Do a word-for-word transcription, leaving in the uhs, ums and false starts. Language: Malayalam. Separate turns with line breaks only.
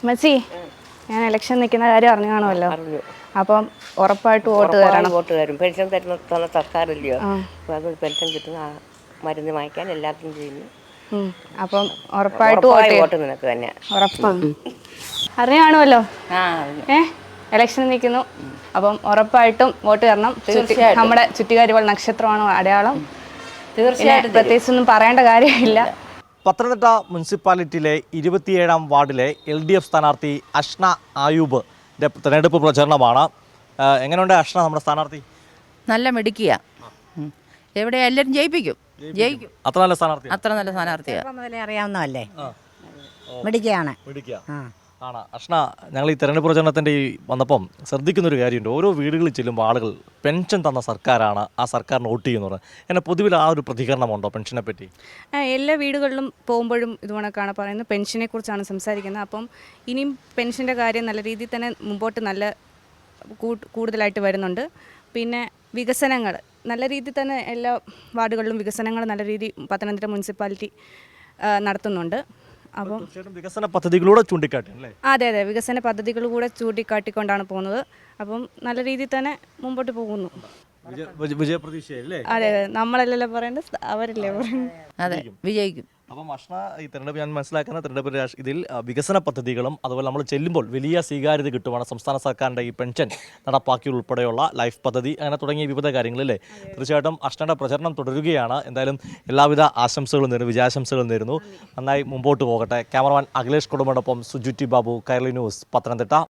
മച്ചി, ഞാൻ ഇലക്ഷൻ നിൽക്കുന്ന കാര്യം അറിഞ്ഞു കാണുമല്ലോ. അപ്പം ഉറപ്പായിട്ട് വോട്ട് തരണം.
വോട്ട് തരും. പെൻഷൻ തരുന്ന തന്ന സർക്കാരില്ലയോ, അപ്പോൾ അത് പെൻഷൻ കിട്ടുന്ന ആ മരുന്ന് വാങ്ങിക്കാൻ എല്ലാത്തിനും ചെയ്യുന്നു.
അപ്പം ഉറപ്പായിട്ട്
വോട്ട് നിനക്ക് തന്നെ
ഉറപ്പാണ്. അറിഞ്ഞു കാണുമല്ലോ.
ആ
ഏ ഇലക്ഷൻ നിൽക്കുന്നു. അപ്പം ഉറപ്പായിട്ടും വോട്ട് തരണം.
തീർച്ചയായിട്ടും.
നമ്മുടെ ചുറ്റികാരികൾ നക്ഷത്രമാണ് അടയാളം.
തീർച്ചയായിട്ടും
പ്രത്യേകിച്ചൊന്നും പറയേണ്ട കാര്യമില്ല.
പത്തനംതിട്ട മുനിസിപ്പാലിറ്റിയിലെ ഇരുപത്തിയേഴാം വാർഡിലെ എൽ ഡി എഫ് സ്ഥാനാർത്ഥി അഷ്ന ആയൂബ് തെരഞ്ഞെടുപ്പ് പ്രചരണമാണ്. എങ്ങനെയുണ്ട് അഷ്ന നമ്മുടെ സ്ഥാനാർത്ഥി?
നല്ല മിടുക്കിയ, എവിടെ എല്ലാവരും ജയിപ്പിക്കും, ജയിക്കും.
അത്ര നല്ല സ്ഥാനാർത്ഥി,
അത്ര നല്ല സ്ഥാനാർത്ഥിയാണ്.
മുതലേ അറിയാവുന്നതല്ലേ, മിടുക്കിയാണ്.
ആണ് അഷ്ന. ഞങ്ങൾ ഈ തെരഞ്ഞെടുപ്പ് പ്രചരണത്തിൻ്റെ ഈ വന്നപ്പം ശ്രദ്ധിക്കുന്നൊരു കാര്യമുണ്ട്. ഓരോ വീടുകളിൽ ചെല്ലുമ്പോൾ ആളുകൾ പെൻഷൻ തന്ന സർക്കാരാണ്, ആ സർക്കാരിന് വോട്ട് ചെയ്യുന്നത്. എന്നെ പൊതുവിൽ ആ ഒരു പ്രതികരണമുണ്ടോ പെൻഷനെ പറ്റി?
എല്ലാ വീടുകളിലും പോകുമ്പോഴും ഇതുകൊണ്ടൊക്കെയാണ് പറയുന്നത്, പെൻഷനെ കുറിച്ചാണ് സംസാരിക്കുന്നത്. അപ്പം ഇനിയും പെൻഷൻ്റെ കാര്യം നല്ല രീതിയിൽ തന്നെ മുമ്പോട്ട് നല്ല കൂടുതലായിട്ട് വരുന്നുണ്ട്. പിന്നെ വികസനങ്ങൾ നല്ല രീതിയിൽ തന്നെ എല്ലാ വാർഡുകളിലും വികസനങ്ങൾ നല്ല രീതിയിൽ പത്തനംതിട്ട മുനിസിപ്പാലിറ്റി നടത്തുന്നുണ്ട്. അപ്പം
വികസന പദ്ധതികളൂടെ ചൂണ്ടിക്കാട്ടി അല്ലേ?
അതെ അതെ വികസന പദ്ധതികൾ കൂടെ ചൂണ്ടിക്കാട്ടിക്കൊണ്ടാണ് പോകുന്നത്. അപ്പം നല്ല രീതിയിൽ തന്നെ മുമ്പോട്ട് പോകുന്നു.
വിജയപ്രതീക്ഷയല്ലേ?
അതെ അതെ നമ്മളല്ലല്ലോ പറയേണ്ടത്, അവരല്ലേ പറയുന്നത്.
അതെ, വിജയിക്കും.
അപ്പം അഷ്ന, ഈ തെരഞ്ഞെടുപ്പ് ഞാൻ മനസ്സിലാക്കുന്ന തെരഞ്ഞെടുപ്പ് ഇതിൽ വികസന പദ്ധതികളും അതുപോലെ നമ്മൾ ചെല്ലുമ്പോൾ വലിയ സ്വീകാര്യത കിട്ടുവാണ്. സംസ്ഥാന സർക്കാരിൻ്റെ ഈ പെൻഷൻ നടപ്പാക്കി ഉൾപ്പെടെയുള്ള ലൈഫ് പദ്ധതി അങ്ങനെ തുടങ്ങിയ വിവിധ കാര്യങ്ങളല്ലേ. തീർച്ചയായിട്ടും അഷ്നയുടെ പ്രചരണം തുടരുകയാണ്. എന്തായാലും എല്ലാവിധ ആശംസകളും നേരുന്നു, വിജയാശംസകളും നേരുന്നു. നന്നായി മുമ്പോട്ട് പോകട്ടെ. ക്യാമറമാൻ അഖിലേഷ് കുടുംബോടൊപ്പം സുജുറ്റി ബാബു, കൈരളി ന്യൂസ്, പത്തനംതിട്ട.